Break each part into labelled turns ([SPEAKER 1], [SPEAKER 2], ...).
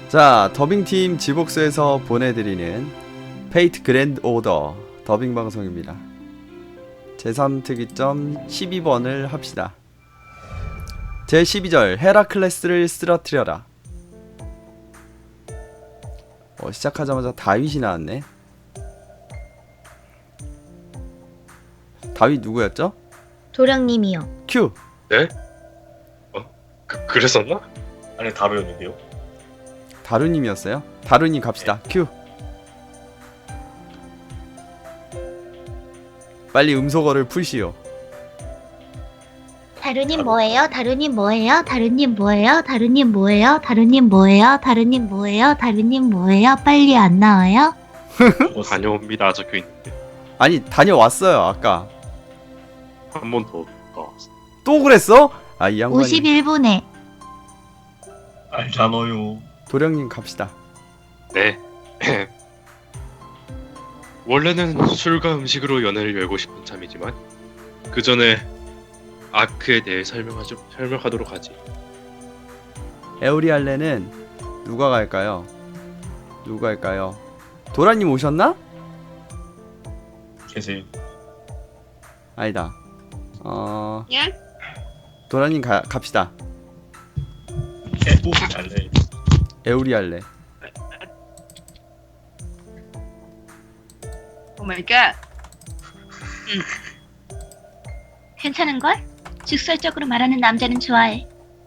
[SPEAKER 1] 자, 더빙팀 지복스에서 보내드리는 페이트 그랜드 오더 더빙 방송입니다. 제3특이점 12번을 합시다. 제12절 헤라클레스를 쓰러뜨려라. 시작하자마자 다윗이 나왔네. 다윗 누구였죠?
[SPEAKER 2] 도령님이요.
[SPEAKER 1] 큐!
[SPEAKER 3] 네? 그랬었나? 아니 다루였는데요.
[SPEAKER 1] 다루님이었어요? 다루님 갑시다. 큐! 빨리 음소거를 풀시오.
[SPEAKER 2] 다루님 뭐예요? 다루님 뭐예요? 다루님 뭐예요? 다루님 뭐예요? 다루님 뭐예요? 다루님 뭐예요? 다루님 뭐예요? 빨리 안 나와요?
[SPEAKER 3] 다녀옵니다 적혀있는데
[SPEAKER 1] 아니 다녀왔어요 아까.
[SPEAKER 3] 한 번 더 나왔어.
[SPEAKER 1] 또 그랬어? 아 이 양반이.
[SPEAKER 2] 51분에
[SPEAKER 4] 알잖아요.
[SPEAKER 1] 도령님 갑시다.
[SPEAKER 3] 네. 원래는 술과 음식으로 연애를 열고 싶은 참이지만 그 전에 아크에 대해 설명하도록 하지.
[SPEAKER 1] 에오리알레는 누가 갈까요? 누가 갈까요? 도라님 오셨나?
[SPEAKER 4] 계세요.
[SPEAKER 1] 아니다.
[SPEAKER 2] 예?
[SPEAKER 1] 도라님 갑시다.
[SPEAKER 4] 개ปุ๊알레
[SPEAKER 1] 에오리알레.
[SPEAKER 2] 오마이갓. 괜찮은걸? 직설적으로 말하는 남자는 좋아해.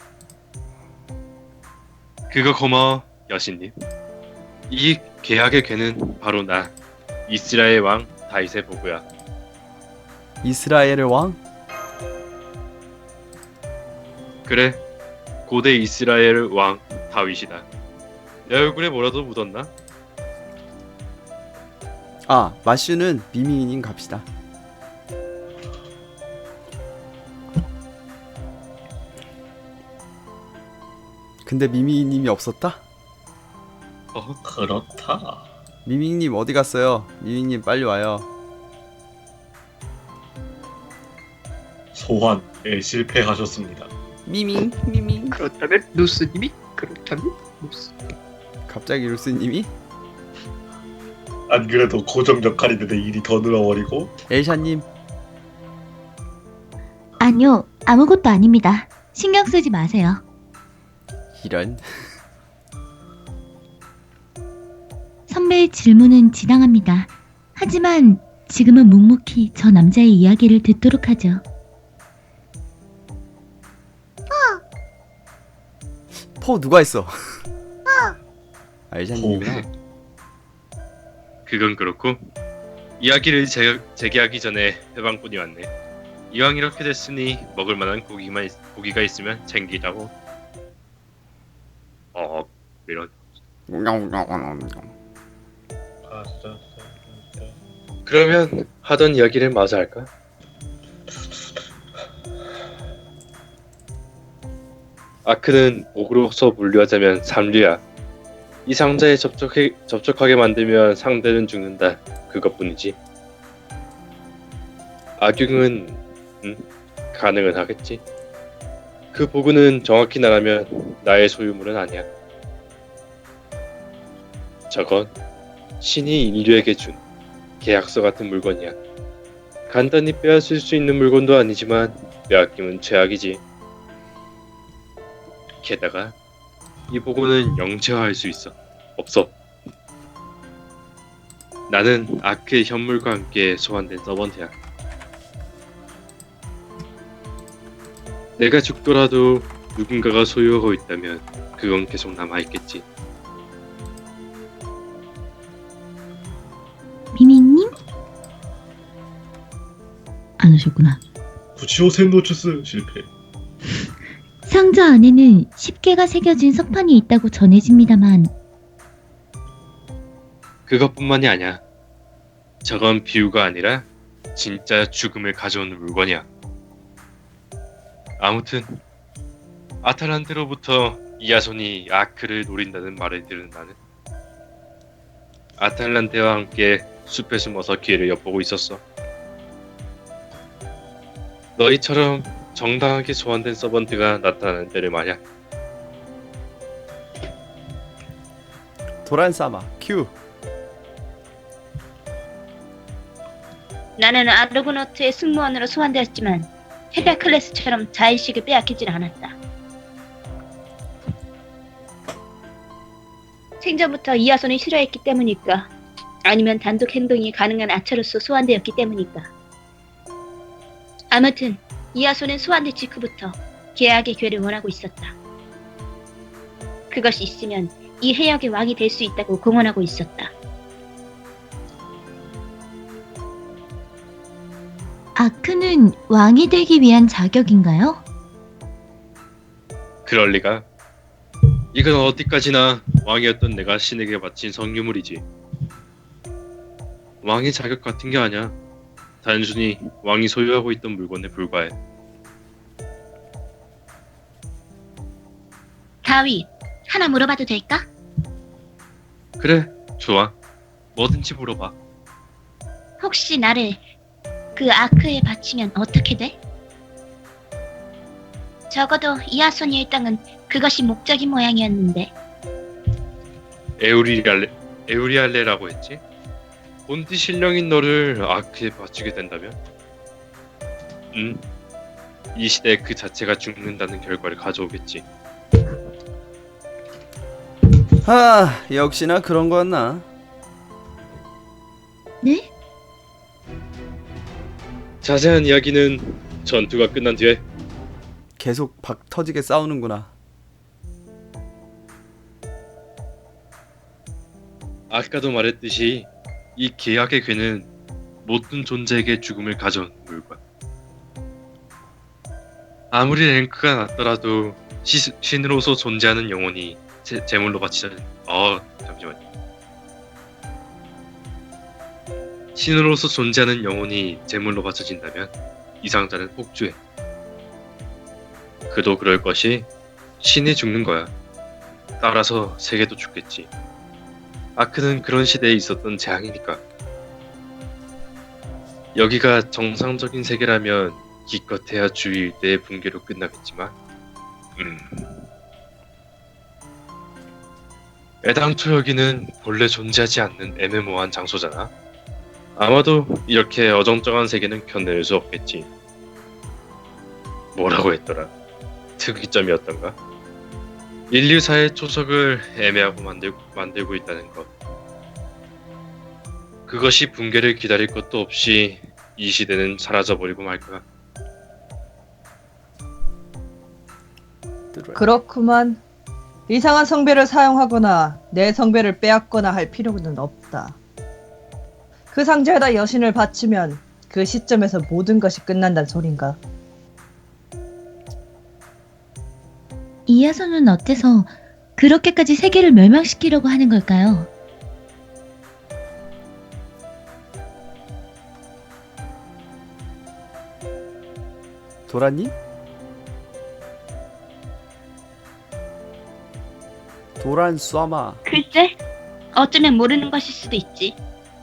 [SPEAKER 3] 그거 고마워 여신님. 이 계약의 괴는 바로 나 이스라엘 왕 다윗의 보고야.
[SPEAKER 1] 이스라엘의 왕?
[SPEAKER 3] 그래, 고대 이스라엘 왕 다윗이다. 내 얼굴에 뭐라도 묻었나?
[SPEAKER 1] 아 마슈는 미미님 갑시다. 근데 미미님이 없었다?
[SPEAKER 4] 그렇다.
[SPEAKER 1] 미미님 어디 갔어요? 미미님 빨리 와요.
[SPEAKER 4] 소환에 실패하셨습니다.
[SPEAKER 1] 미밍.
[SPEAKER 5] 그렇다면 누스님이 그렇다면 누스.
[SPEAKER 1] 갑자기 루스님이?
[SPEAKER 4] 안 그래도 고정 역할인데 일이 더 늘어버리고.
[SPEAKER 1] 엘샤님.
[SPEAKER 2] 아니요, 아무것도 아닙니다. 신경 쓰지 마세요.
[SPEAKER 1] 이런.
[SPEAKER 2] 선배의 질문은 지당합니다. 하지만 지금은 묵묵히 저 남자의 이야기를 듣도록 하죠.
[SPEAKER 1] 포 누가 했어? 엘샤님이구나.
[SPEAKER 3] 그건 그렇고 이야기를 재개하기 전에 해방꾼이 왔네. 이왕 이렇게 됐으니 먹을 만한 고기가 있으면 챙기자고. 이런. 그러면 하던 이야기를 마저 할까? 아크는 목으로서 분류하자면 삼류야. 이 상자에 접촉하게 만들면 상대는 죽는다. 그것뿐이지. 악용은 가능은 하겠지. 그 보고는 정확히 말하면 나의 소유물은 아니야. 저건 신이 인류에게 준 계약서 같은 물건이야. 간단히 빼앗을 수 있는 물건도 아니지만 빼앗기면 최악이지. 게다가 이 보고는 영체화할 수 있어. 없어. 나는 아크의 현물과 함께 소환된 서번트야. 내가 죽더라도 누군가가 소유하고 있다면 그건 계속 남아있겠지.
[SPEAKER 2] 미미님? 안 오셨구나.
[SPEAKER 4] 구치오 샌노추스 실패.
[SPEAKER 2] 상자 안에는 10개가 새겨진 석판이 있다고 전해집니다만
[SPEAKER 3] 그것뿐만이 아니야. 저건 비유가 아니라 진짜 죽음을 가져오는 물건이야. 아무튼 아탈란테로부터 이아손이 아크를 노린다는 말을 들은 나는 아탈란테와 함께 숲에 숨어서 기회를 엿보고 있었어. 너희처럼 정당하게 소환된 서번트가 나타나는 때를 말이야.
[SPEAKER 1] 도란사마 큐.
[SPEAKER 6] 나는 아르고노트의 승무원으로 소환되었지만 헤라클레스처럼 자의식을 빼앗기진 않았다. 생전부터 이하손을 싫어했기 때문일까? 아니면 단독 행동이 가능한 아처로서 소환되었기 때문일까? 아무튼 이하손은 소환된 직후부터 계약의 괴를 원하고 있었다. 그것이 있으면 이 해역의 왕이 될 수 있다고 공언하고 있었다.
[SPEAKER 2] 아크는 왕이 되기 위한 자격인가요?
[SPEAKER 3] 그럴 리가. 이건 어디까지나 왕이었던 내가 신에게 바친 성유물이지. 왕의 자격 같은 게 아니야. 단순히 왕이 소유하고 있던 물건에 불과해.
[SPEAKER 6] 다윗, 하나 물어봐도 될까?
[SPEAKER 3] 그래, 좋아. 뭐든지 물어봐.
[SPEAKER 6] 혹시 나를 그 아크에 바치면 어떻게 돼? 적어도 이하손이 일당은 그것이 목적인 모양이었는데.
[SPEAKER 3] 에우리알레라고 했지? 본디 신령인 너를 아크에 바치게 된다면? 이 시대에 그 자체가 죽는다는 결과를 가져오겠지.
[SPEAKER 1] 역시나 그런 거였나?
[SPEAKER 2] 네?
[SPEAKER 3] 자세한 이야기는 전투가 끝난 뒤에.
[SPEAKER 1] 계속 박 터지게 싸우는구나.
[SPEAKER 3] 아까도 말했듯이 이 계약의 괴는 모든 존재에게 죽음을 가져온 물건. 아무리 랭크가 낮더라도 신으로서 존재하는 영혼이 제물로 바치자니 잠시만요. 신으로서 존재하는 영혼이 제물로 바쳐진다면 이 상자는 폭주해. 그도 그럴 것이 신이 죽는 거야. 따라서 세계도 죽겠지. 아크는 그런 시대에 있었던 재앙이니까. 여기가 정상적인 세계라면 기껏해야 주위 일대의 붕괴로 끝나겠지만 애당초 여기는 본래 존재하지 않는 애매모호한 장소잖아. 아마도 이렇게 어정쩡한 세계는 견뎌낼 수 없겠지. 뭐라고 했더라? 특이점이었던가? 인류사의 초석을 애매하고 만들고 있다는 것. 그것이 붕괴를 기다릴 것도 없이 이 시대는 사라져버리고 말 거야.
[SPEAKER 7] 그렇구만. 이상한 성배를 사용하거나 내 성배를 빼앗거나 할 필요는 없다. 그 상자에다 여신을 바치면 그 시점에서 모든 것이 끝난다는 소린가?
[SPEAKER 2] 이하손은 어때서 그렇게까지 세계를 멸망시키려고 하는 걸까요?
[SPEAKER 1] 도라님? 도란 쏴마.
[SPEAKER 6] 글쎄, 어쩌면 모르는 것일 수도 있지.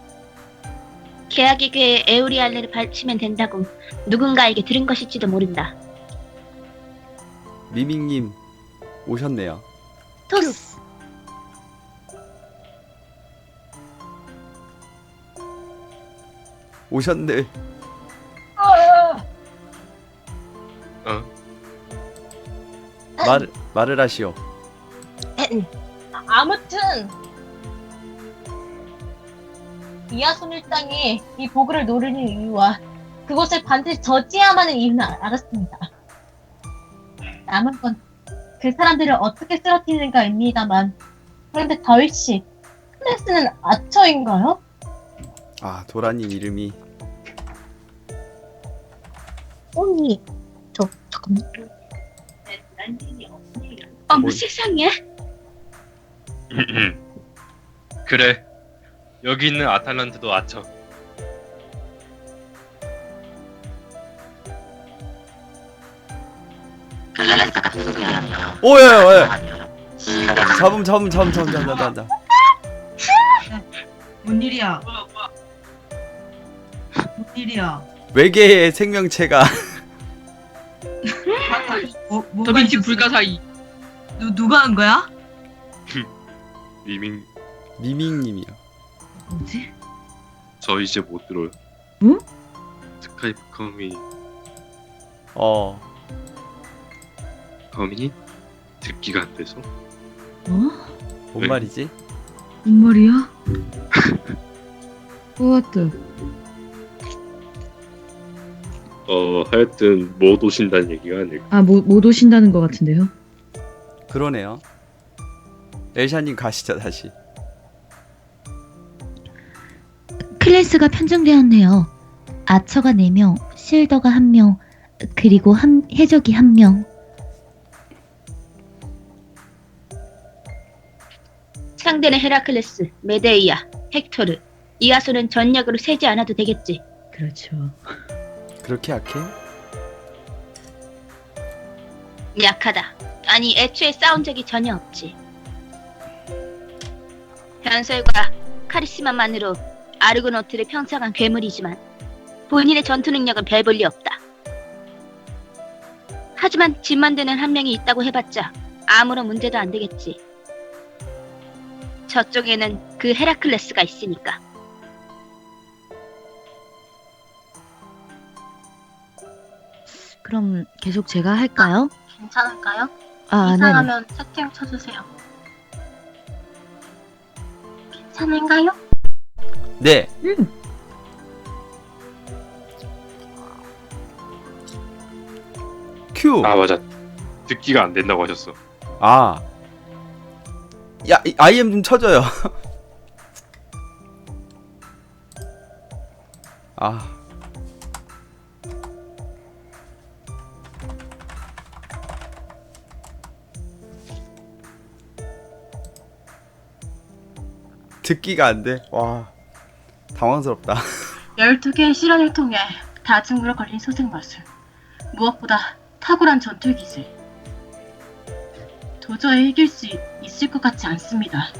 [SPEAKER 6] 계약의 괴에 에우리알레를 바치면 된다고 누군가에게 들은 것일지도 모른다.
[SPEAKER 1] 미밍님 오셨네요.
[SPEAKER 2] 토스.
[SPEAKER 1] 오셨네. 말을 하시오.
[SPEAKER 8] 아무튼 이하손 일당이 이 보그를 노리는 이유와 그것을 반드시 저지해야만 하는 이유는 알았습니다. 남은 건 그 사람들을 어떻게 쓰러뜨리는가입니다만, 그런데 다윗씨, 클래스는 아처인가요?
[SPEAKER 1] 도라님 이름이
[SPEAKER 8] 언니, 잠깐만.
[SPEAKER 6] 어머 세상에.
[SPEAKER 3] 그래, 여기 있는 아탈란트도 아처.
[SPEAKER 1] 오야. 잡음.
[SPEAKER 7] 뭔 일이야? 뭔 일이야?
[SPEAKER 1] 외계의 생명체가
[SPEAKER 7] 뭐가
[SPEAKER 5] 더빈치
[SPEAKER 7] 있었어?
[SPEAKER 5] 불가사의.
[SPEAKER 7] 누가 한 거야?
[SPEAKER 3] 미밍
[SPEAKER 1] 미밍님이요.
[SPEAKER 9] 뭐지?
[SPEAKER 3] 저 이제 못 들어요.
[SPEAKER 9] 응?
[SPEAKER 3] 스카이프 커뮤니 듣기가 안 돼서.
[SPEAKER 9] 어?
[SPEAKER 1] 뭔
[SPEAKER 3] 왜?
[SPEAKER 1] 말이지?
[SPEAKER 9] 뭔 말이야? What?
[SPEAKER 3] 하여튼 못 오신다는 얘기가 아닐까.
[SPEAKER 9] 아, 못 오신다는 것 같은데요?
[SPEAKER 1] 그러네요. 엘샤님 가시죠 다시.
[SPEAKER 2] 클래스가 편중되었네요. 아처가 4명, 실더가 1명, 그리고 해적이 1명.
[SPEAKER 6] 상대는 헤라클레스, 메데이아, 헥토르, 이아소는 전략으로 세지 않아도 되겠지.
[SPEAKER 9] 그렇죠.
[SPEAKER 1] 그렇게 약해?
[SPEAKER 6] 약하다. 아니 애초에 싸운 적이 전혀 없지. 변설과 카리스마만으로 아르고노트를 평정한 괴물이지만 본인의 전투 능력은 별 볼 리 없다. 하지만 집 만드는 한 명이 있다고 해봤자 아무런 문제도 안 되겠지. 저쪽에는 그 헤라클레스가 있으니까.
[SPEAKER 2] 그럼 계속 제가 할까요?
[SPEAKER 8] 괜찮을까요?
[SPEAKER 2] 아, 네네.
[SPEAKER 8] 이상하면 채팅 쳐주세요. 괜찮은가요?
[SPEAKER 1] 네. 큐.
[SPEAKER 3] 아 맞아. 듣기가 안 된다고 하셨어.
[SPEAKER 1] 아. 야, IM 좀 쳐줘요. 아. 듣기가 안 돼. 와. 당황스럽다.
[SPEAKER 8] 12개의 실현을 통해 다중으로 걸린 소생 마술. 무엇보다 탁월한 전투 기술. 도저히 이길 수 있을 것 같지 않습니다.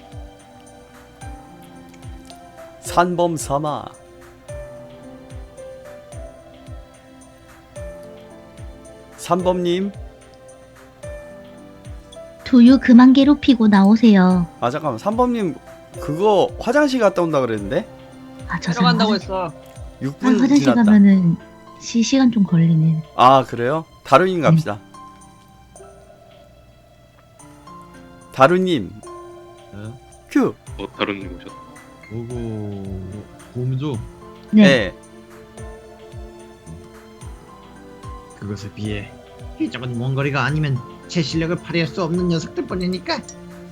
[SPEAKER 1] 산범 삼아. 산범님.
[SPEAKER 2] 두유 그만 괴롭히고 나오세요.
[SPEAKER 1] 아 잠깐만. 산범님 그거 화장실 갔다 온다 그랬는데?
[SPEAKER 2] 아, 저
[SPEAKER 7] 들어간다고
[SPEAKER 2] 사람
[SPEAKER 7] 했어.
[SPEAKER 1] 6분
[SPEAKER 2] 화장실
[SPEAKER 1] 지났다.
[SPEAKER 2] 가면은 시간 좀 걸리네.
[SPEAKER 1] 아 그래요? 다루님 갑시다. 다루님. 큐.
[SPEAKER 3] 다룬님 오셨다.
[SPEAKER 10] 오고 곰조
[SPEAKER 2] 네.
[SPEAKER 1] 네.
[SPEAKER 10] 그것에 비해 해적은 원거리가 아니면 제 실력을 발휘할 수 없는 녀석들 뿐이니까.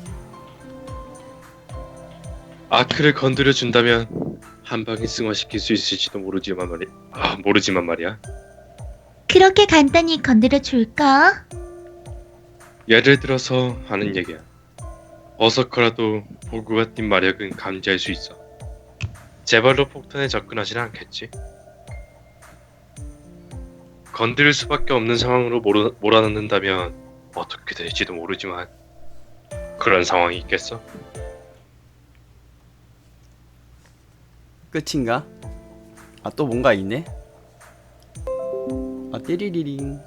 [SPEAKER 3] 아크를 건드려 준다면 한 방에 승화시킬 수 있을지도 모르지만 말이야.
[SPEAKER 2] 그렇게 간단히 건드려 줄까?
[SPEAKER 3] 예를 들어서 하는 얘기야. 어서커라도 보그와 띈 마력은 감지할 수 있어. 제발로 폭탄에 접근하진 않겠지. 건드릴 수밖에 없는 상황으로 몰아넣는다면 어떻게 될지도 모르지만 그런 상황이 있겠어?
[SPEAKER 1] 끝인가? 아 또 뭔가 있네? 아 띠리리링.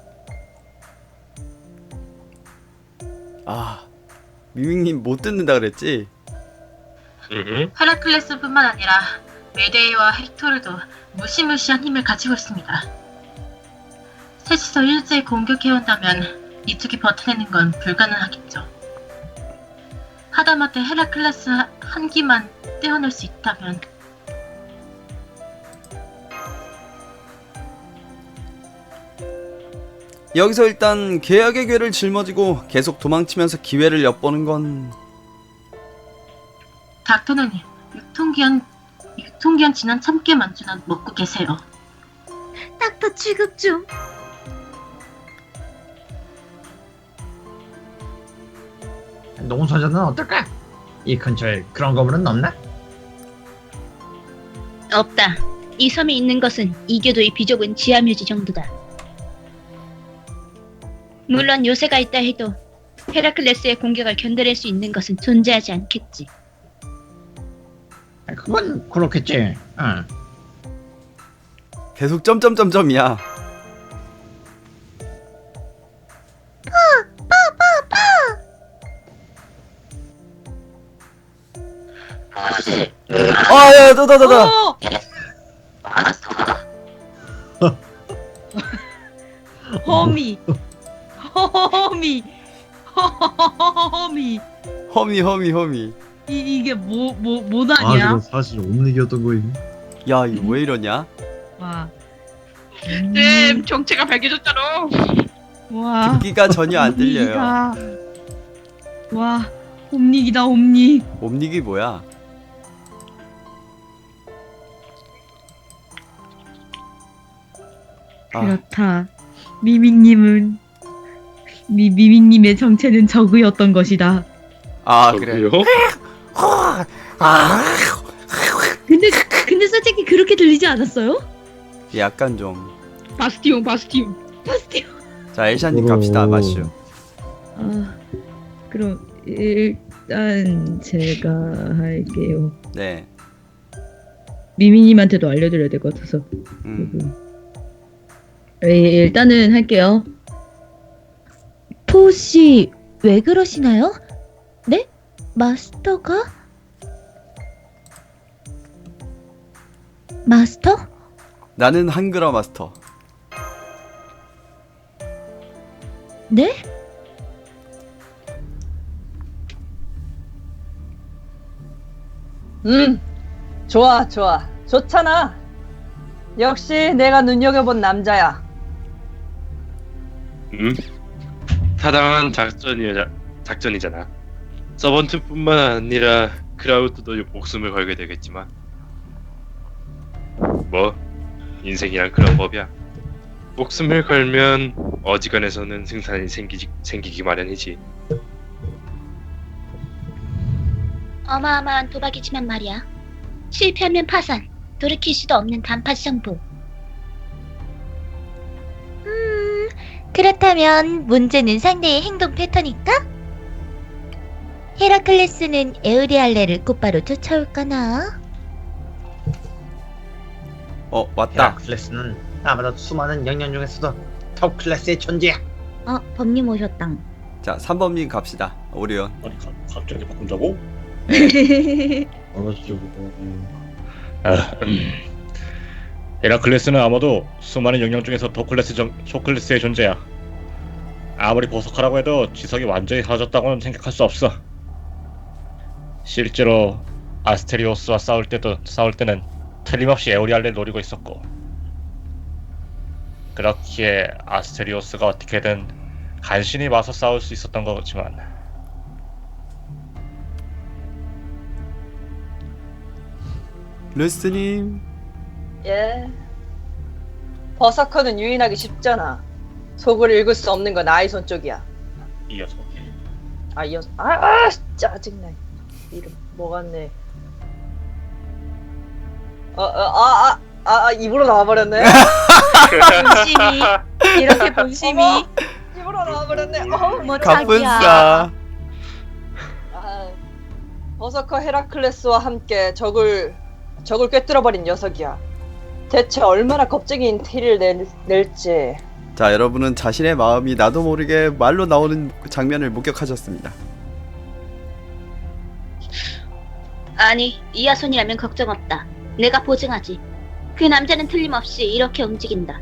[SPEAKER 1] 아 미밍님 못 듣는다 그랬지?
[SPEAKER 8] 헤라클레스뿐만 아니라 메데이와 헥토르도 무시무시한 힘을 가지고 있습니다. 셋이서 일제히 공격해온다면 이쪽이 버텨내는 건 불가능하겠죠. 하다못해 헤라클레스 한 기만 떼어낼 수 있다면
[SPEAKER 1] 여기서 일단 계약의 괴를 짊어지고 계속 도망치면서 기회를 엿보는 건
[SPEAKER 8] 닥터는 유통기한 지난 참깨 만주나 먹고 계세요.
[SPEAKER 2] 닥터 취급 좀.
[SPEAKER 10] 농소자는 어떨까? 이 근처에 그런 거물은 없나?
[SPEAKER 6] 없다. 이 섬에 있는 것은 이교도의 비좁은 지하묘지 정도다. 물론 요새가 있다 해도 헤라클레스의 공격을 견뎌낼 수 있는 것은 존재하지 않겠지.
[SPEAKER 10] 그건 그렇겠지.
[SPEAKER 1] 계속 점점점점이야. 야, 너.
[SPEAKER 7] 어! 허미. 허미.
[SPEAKER 1] 허미.
[SPEAKER 9] 이게
[SPEAKER 10] 아
[SPEAKER 9] 뭐다냐?
[SPEAKER 10] 이건 사실 옴닉이었던 거임.
[SPEAKER 1] 야, 이거 왜 이러냐?
[SPEAKER 9] 와.
[SPEAKER 5] 쌤 정체가 밝혀졌잖아.
[SPEAKER 9] 와.
[SPEAKER 1] 듣기가 전혀 안 들려요.
[SPEAKER 9] 옴닉이다. 와. 옴닉이다 옴닉.
[SPEAKER 1] 옴닉이 뭐야? 아,
[SPEAKER 9] 그렇다. 미밍님은 미밍님의 정체는 저그였던 것이다.
[SPEAKER 1] 그래.
[SPEAKER 3] 저기요?
[SPEAKER 9] 근데 솔직히 그렇게 들리지 않았어요?
[SPEAKER 1] 약간 좀.
[SPEAKER 5] 바스티온.
[SPEAKER 1] 자, 엘샤님 갑시다, 마슈.
[SPEAKER 9] 그럼 일단 제가 할게요.
[SPEAKER 1] 네.
[SPEAKER 9] 미미님한테도 알려드려야 될 것 같아서. 일단은 할게요.
[SPEAKER 2] 포씨 왜 그러시나요? 네? 마스터가? 마스터?
[SPEAKER 1] 나는 한글어 마스터.
[SPEAKER 2] 네?
[SPEAKER 7] 좋아. 좋잖아. 역시 내가 눈여겨본 남자야.
[SPEAKER 3] 타당한 작전이잖아. 서번트뿐만 아니라 크라우드도 목숨을 걸게 되겠지만 뭐 인생이란 그런 법이야. 목숨을 걸면 어지간해서는 승산이 생기기 마련이지.
[SPEAKER 6] 어마어마한 도박이지만 말이야. 실패하면 파산, 돌이킬 수도 없는 단팥 승부.
[SPEAKER 2] 그렇다면 문제는 상대의 행동 패턴일까? 헤라클레스는 에우리알레를 곧바로 쫓아올까나?
[SPEAKER 1] 왔다.
[SPEAKER 10] 헤라클레스는 아마도 수많은 영년 중에서도 톱 클래스의 존재야.
[SPEAKER 2] 법님 오셨당.
[SPEAKER 1] 자, 3번님 갑시다. 오리온.
[SPEAKER 4] 아니 갑자기 바꾼다고?
[SPEAKER 10] 알았죠.
[SPEAKER 11] 헤라클레스는 아마도 수많은 영역 중에서 초클래스의 존재야. 아무리 보석하라고 해도 지석이 완전히 사라졌다고는 생각할 수 없어. 실제로 아스테리오스와 싸울 때는 틀림없이 에오리알레를 노리고 있었고, 그렇기에 아스테리오스가 어떻게든 간신히 맞서 싸울 수 있었던 거지만,
[SPEAKER 1] 루스님.
[SPEAKER 7] 예. 버서커는 유인하기 쉽잖아. 속을 읽을 수 없는 건 아이손 쪽이야.
[SPEAKER 11] 이 녀석.
[SPEAKER 7] 짜증나. 이름 뭐 같네. 입으로 나와버렸네.
[SPEAKER 2] 본심이 이렇게 본심이
[SPEAKER 7] 입으로 나와버렸네.
[SPEAKER 2] 뭐
[SPEAKER 1] 갑분싸.
[SPEAKER 7] 버서커 헤라클레스와 함께 적을 꿰뚫어버린 녀석이야. 대체 얼마나 겁쟁이인 티를 낼지.
[SPEAKER 1] 자, 여러분은 자신의 마음이 나도 모르게 말로 나오는 장면을 목격하셨습니다.
[SPEAKER 6] 아니, 이하손이라면 걱정 없다. 내가 보증하지. 그 남자는 틀림없이 이렇게 움직인다.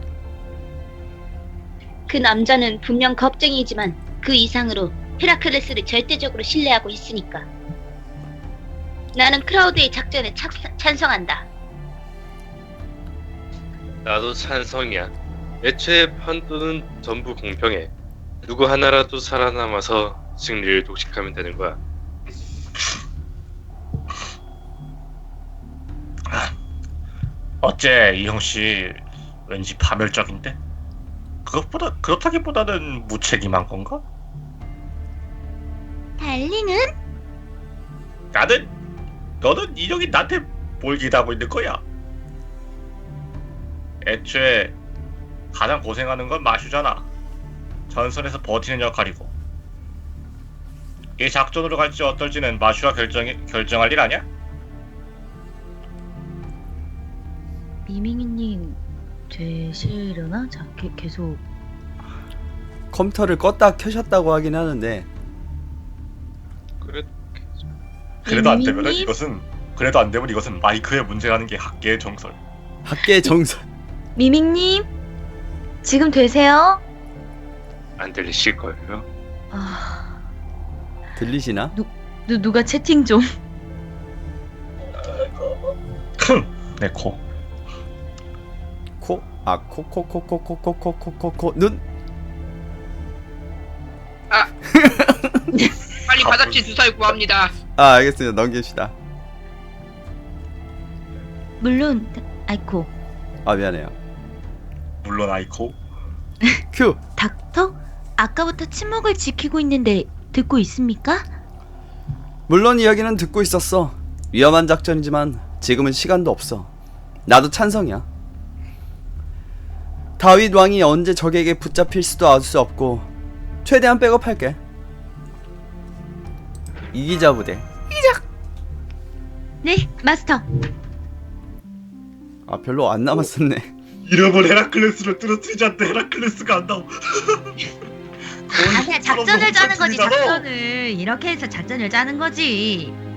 [SPEAKER 6] 그 남자는 분명 겁쟁이지만 그 이상으로 헤라클레스를 절대적으로 신뢰하고 있으니까. 나는 크라우드의 작전에 찬성한다.
[SPEAKER 3] 나도 찬성이야. 애초에 판도는 전부 공평해. 누구 하나라도 살아남아서 승리를 독식하면 되는 거야.
[SPEAKER 11] 어째 이 형씨 왠지 파멸적인데? 그렇다기보다는 무책임한 건가?
[SPEAKER 2] 달링은?
[SPEAKER 11] 너는 인형이 나한테 뭘 기대하고 있는 거야? 애초에 가장 고생하는 건 마슈잖아. 전선에서 버티는 역할이고. 이 작전으로 갈지 어떨지는 마슈가 결정할 일 아니야?
[SPEAKER 9] 미밍이님 되시려나? 자, 계속
[SPEAKER 1] 컴퓨터를 껐다 켜셨다고 하긴 하는데
[SPEAKER 11] 그래도 안 되면은
[SPEAKER 2] 미미님?
[SPEAKER 11] 이것은 그래도 안 되면 이것은 마이크의 문제라는 게 학계의 정설.
[SPEAKER 1] 학계의 정설.
[SPEAKER 2] 미밍님, 지금 되세요?
[SPEAKER 3] 안 들리실걸요?
[SPEAKER 2] 아,
[SPEAKER 1] 들리시나?
[SPEAKER 2] 누가 채팅 좀.
[SPEAKER 11] 내 코.
[SPEAKER 1] 코? 아, 코, 눈?
[SPEAKER 5] 빨리 바닥지 주사위 구합니다.
[SPEAKER 1] 아, 알겠습니다. 넘깁시다.
[SPEAKER 2] 물론, 아이코.
[SPEAKER 1] 아, 미안해요.
[SPEAKER 11] 물론 아이코.
[SPEAKER 1] 큐!
[SPEAKER 2] 닥터? 아까부터 침묵을 지키고 있는데 듣고 있습니까?
[SPEAKER 1] 물론 이야기는 듣고 있었어. 위험한 작전이지만 지금은 시간도 없어. 나도 찬성이야. 다윗 왕이 언제 적에게 붙잡힐 수도 알 수 없고 최대한 백업할게. 이기자 부대.
[SPEAKER 2] 네, 마스터.
[SPEAKER 1] 아, 별로 안 남았었네.
[SPEAKER 4] 이름을 헤라클레스를 떨어뜨리지 않는데 헤라클레스가 안 나오.
[SPEAKER 2] 아, 그냥 작전을 짜는 거지,
[SPEAKER 4] 작전이잖아.
[SPEAKER 2] 작전을. 이렇게 해서 작전을 짜는 거지.